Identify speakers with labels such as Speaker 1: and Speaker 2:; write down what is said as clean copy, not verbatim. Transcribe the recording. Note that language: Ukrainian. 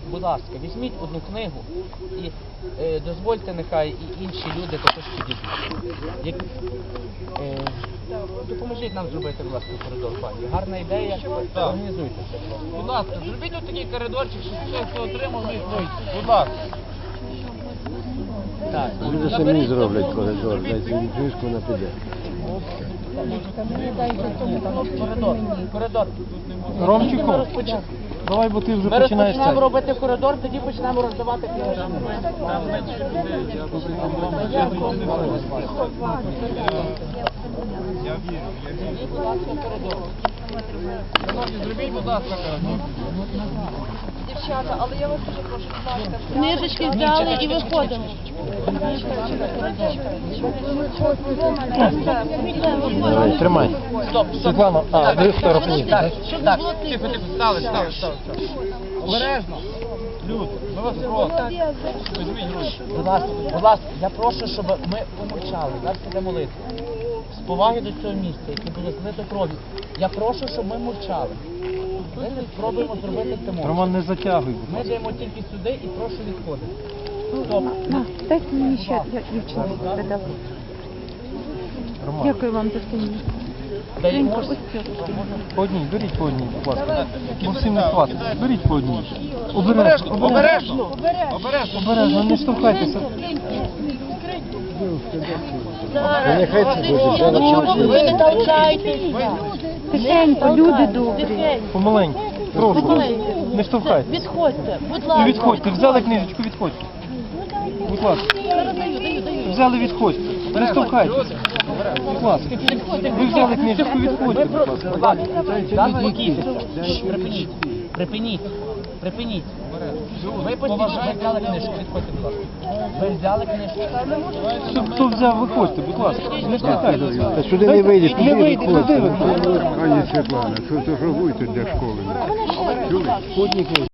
Speaker 1: будь ласка, візьміть одну книгу і дозвольте, нехай і інші люди також підійдуть. Допоможіть нам зробити, будь ласка, коридор, пані. Гарна ідея, організуйтеся.
Speaker 2: Будь ласка, зробіть ось такий коридорчик, щоб все, хто отримав, міг вийти. Будь ласка.
Speaker 1: Так.
Speaker 3: Люди самі зроблять коридор, дайте їм книжку на піде.
Speaker 1: Коридор.
Speaker 4: Ромчику, давай, бо ти вже
Speaker 1: Ми
Speaker 4: починаєш
Speaker 1: розпочнемо
Speaker 4: це.
Speaker 1: робити коридор, тоді почнемо роздавати книжки.
Speaker 2: Я вірю. Шановні, зробіть, будь ласка, коридор.
Speaker 5: Дівчата, але я вас дуже прошу, будь ласка.
Speaker 6: Книжечки взяли і виходимо.
Speaker 4: Давай, тримай.
Speaker 1: Стоп,
Speaker 4: Світлана, ви фотографуєте, так?
Speaker 1: Так,
Speaker 2: Тихо, стали. Обережно. Люд, ми вас просимо. Візьміть гроші.
Speaker 1: будь ласка, я прошу, щоб ми помовчали. Зараз іде молитва. З поваги до цього місця, яке було злито кров'ю. Я прошу, щоб ми мовчали. Ми спробуємо зробити це мовчки.
Speaker 4: Роман, не затягуй.
Speaker 1: Ми даємо тільки сюди і прошу відходити. Стоп.
Speaker 7: Дайте мені ще дівчину передати.
Speaker 4: Роман,
Speaker 7: Дякую вам за це.
Speaker 1: Даємо.
Speaker 4: по одній, беріть по одній, будь ласка. Бо всім не хватить. Беріть по одній.
Speaker 2: Обережно.
Speaker 4: Обережно, не штовхайтеся.
Speaker 3: Нехай це буде,
Speaker 6: Чому ви не толкаєтесь?
Speaker 7: Тихенько, люди добрі.
Speaker 4: Помаленьку. Прошу. Не штовхайтеся.
Speaker 6: Відходьте, будь
Speaker 4: І
Speaker 6: ласка.
Speaker 4: відходьте. Взяли книжечку, відходьте. Будь ласка. Взяли, відходьте. Не штовхайтеся. Будь ласка. Ви взяли книжечку, відходьте, будь ласка.
Speaker 1: Будь ласка, заспокійтеся. Припиніть. Ви постійно взяли книжку, відходьте, будь ласка. Ви взяли книжку.
Speaker 4: Хто взяв, виходьте, будь ласка. Не штовхайтеся.
Speaker 3: Та сюди не вийде,
Speaker 4: Не вийде, туди
Speaker 3: Пані Світлана, що ви тут для школи? Чули?